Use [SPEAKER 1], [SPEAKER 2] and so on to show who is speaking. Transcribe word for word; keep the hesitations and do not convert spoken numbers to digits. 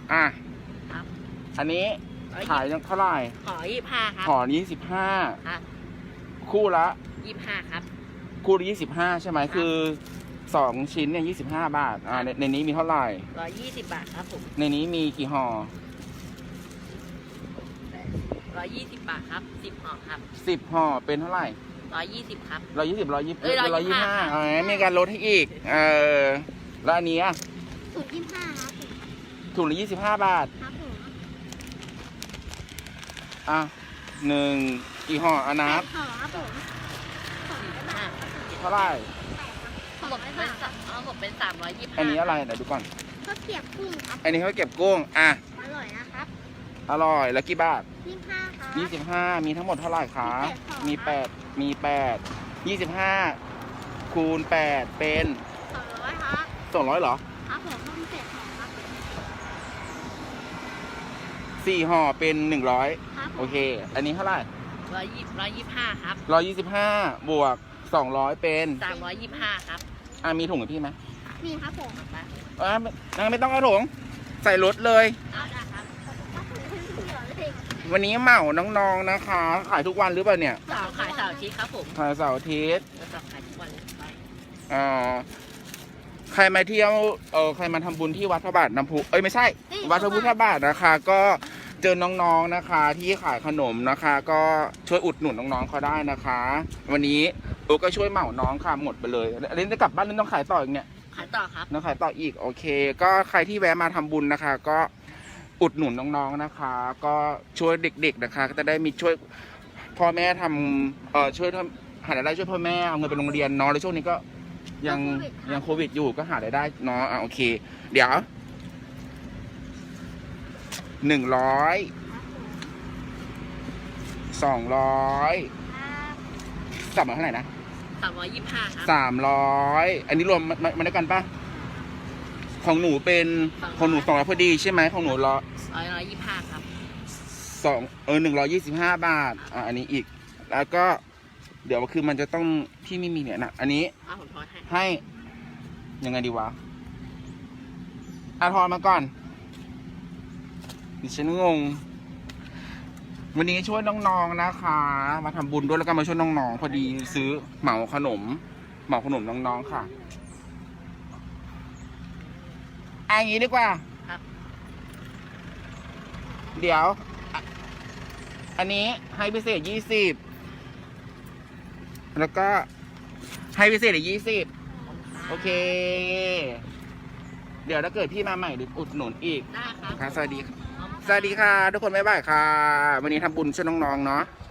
[SPEAKER 1] อ่ะ
[SPEAKER 2] ครับ
[SPEAKER 1] อันนี้ขายเท่าไหร่
[SPEAKER 2] ขอยี่สิบห้าครับ
[SPEAKER 1] ห่อนี้สิบห้า
[SPEAKER 2] ครับ
[SPEAKER 1] คู่ละ
[SPEAKER 2] ยี่สิบห้าครับ
[SPEAKER 1] คู่ละยี่สิบห้าใช่ไหมคือสองชิ้นเนี่ยยี่สิบห้าบาทอ่าในในนี้มีเท่าไหร่
[SPEAKER 2] ร้อยยี่สิบบาทครับผม
[SPEAKER 1] ในนี้มีกี่ห่อ
[SPEAKER 2] ร้อยยี่สิบบาทครับสิบห่อครับ
[SPEAKER 1] สิบห่อเป็นเท่าไหร่
[SPEAKER 2] ร้อยยี่สิบครับ
[SPEAKER 1] ร้อยยี่สิบร้อยยี่สิบ
[SPEAKER 2] เอ้ย
[SPEAKER 1] ร้อยยี่สิบห้า
[SPEAKER 2] 125
[SPEAKER 1] อ๋อมีการลดให้อีกเออแล้วอันนี้อ่ะ
[SPEAKER 3] ศูนย์ยี่สิบห้าครับผม
[SPEAKER 1] ถุงละยี่สิบห้าบาท
[SPEAKER 3] ครับผม
[SPEAKER 1] อ่ะหนึ่งกี่ห่ออานับ
[SPEAKER 3] ขอครับผมสองร้อยบาท
[SPEAKER 1] เท่าไหร่
[SPEAKER 3] สอง
[SPEAKER 2] หมด
[SPEAKER 3] ร้อย
[SPEAKER 2] เป็น
[SPEAKER 3] บาท
[SPEAKER 2] สามเอาหมดเป็นสามร้อยยี่สิบห้า
[SPEAKER 1] อันนี้อะไรเดี๋ยวดูก่อน
[SPEAKER 3] ข้าวเกรียบกุ้งครับ
[SPEAKER 1] อันนี้เขาเก็บกุ้งอ่ะ
[SPEAKER 3] อร่อยนะครับ
[SPEAKER 1] อร่อยแล้วกี่บาท
[SPEAKER 3] ยี่สิบห้าครับ
[SPEAKER 1] ยี่สิบห้ามีทั้งหมดเท่าไหร่คะ
[SPEAKER 3] มี
[SPEAKER 1] มี
[SPEAKER 3] แป
[SPEAKER 1] แป
[SPEAKER 3] ด
[SPEAKER 1] ดมีแปดยี่สิบห้าคูณแปดเป็น
[SPEAKER 3] สองร้อยครับ
[SPEAKER 1] สองร้อยเหรอ
[SPEAKER 3] ครับผมเพิ่มเศษห่อครับ
[SPEAKER 1] สี่ห่อเป็นหนึ่งร้อย
[SPEAKER 3] ครับผม
[SPEAKER 1] โอเค อันนี้เท่าไหร่
[SPEAKER 2] ร้อยยี่ร้อยยี่สิบห้าครับ
[SPEAKER 1] ร้อยยี่สิบห้าบวกสองร้อยเป็น
[SPEAKER 2] สามร้อยยี่สิบห้าครับ
[SPEAKER 1] อ่ะมีถุงกับพี่ไหม
[SPEAKER 3] นี่ครับผม
[SPEAKER 2] มา
[SPEAKER 1] อ่ะไม่ไม่ต้องเอาถุงใส่รถเลย
[SPEAKER 2] เอาได้ครับ
[SPEAKER 3] ครับผมเหลือเลย
[SPEAKER 1] วันนี้เหมาน้องๆนะคะ ขายทุกวันหรือเปล่าเนี่ย
[SPEAKER 2] เสาร์ขายเสาร์อาทิตย์ครับผม
[SPEAKER 1] ขายเสาร์อาทิตย์
[SPEAKER 2] แล้วเสาร์ขายทุกวันเลยไป
[SPEAKER 1] อ่าใครมาเที่ยวเออใครมาทำบุญที่วัดพระบาทน้ำพุเอ้ยไม่ใช่ วัดพระพุทธบาทนะคะ ก็เจอน้องๆนะคะ ที่ขายขนมนะคะ ก็ช่วยอุดหนุนน้องๆเขาได้นะคะ วันนี้โอก็ช่วยเหมาน้องค่ะหมดไปเลยอันนี้จะกลับบ้านหรือต้องขายต่ออีกเนี่ย
[SPEAKER 2] ขายต่อครับ
[SPEAKER 1] น้องขายต่ออีกโอเค ก็ใครที่แวะมาทำบุญนะคะ ก็อุดหนุนน้องๆนะคะ ก็ช่วยเด็กๆนะคะ ก็จะได้มีช่วยพ่อแม่ทำเอ่อช่วยทำหารายได้ช่วยพ่อแม่เอาเงินไปโรงเรียนเนาะแล้วช่วงนี้ก็ยังยังโควิดอยู่ก็หารายได้เนาะอ่ะโอเค เดี๋ยวหนึ่งร้อยสองร้อยสามร้อยเท่าไหร่นะ
[SPEAKER 2] สามร้อยยี่สิบห้าครับ
[SPEAKER 1] สามร้อยอันนี้รวมมามาด้วยกันปะของหนูเป็นของหนูสองร้อยพอดีใช่ไหมของหนูร้อย
[SPEAKER 2] ร้อยร้อยยี่สิบห้าครับ
[SPEAKER 1] สองเออหนึ่งร้อยยี่สิบห้าบาทอ่ะอันนี้อีก แล้วก็เดี๋ยวคือมันจะต้องที่ไม่มีเนี่ยนะอันนี้
[SPEAKER 2] เอาผมทอนให้
[SPEAKER 1] ให้ยังไงดีวะอาทอนมาก่อนดิฉันงง วันนี้ช่วยน้องๆนะคะ มาทำบุญด้วยแล้วก็มาช่วยน้องๆพอดีซื้อเหมาขนม เหมาขนมน้องๆค่ะอ่ะอย่างนี้ดีกว่า
[SPEAKER 2] ครับ
[SPEAKER 1] เดี๋ยวอ่ะอันนี้ให้พิเศษยี่สิบแล้วก็ให้พิเศษอีกยี่สิบโอเค เดี๋ยวถ้าเกิดพี่มาใหม่หรืออุดหนุนอีก
[SPEAKER 2] ได้ครับ
[SPEAKER 1] ค่ะสวัสดี
[SPEAKER 2] ขอบคุณครับ
[SPEAKER 1] สวัสดีค่ะ ทุกคนบ๊ายบายค่ะ วันนี้ทำบุญช่วยน้องๆเนาะ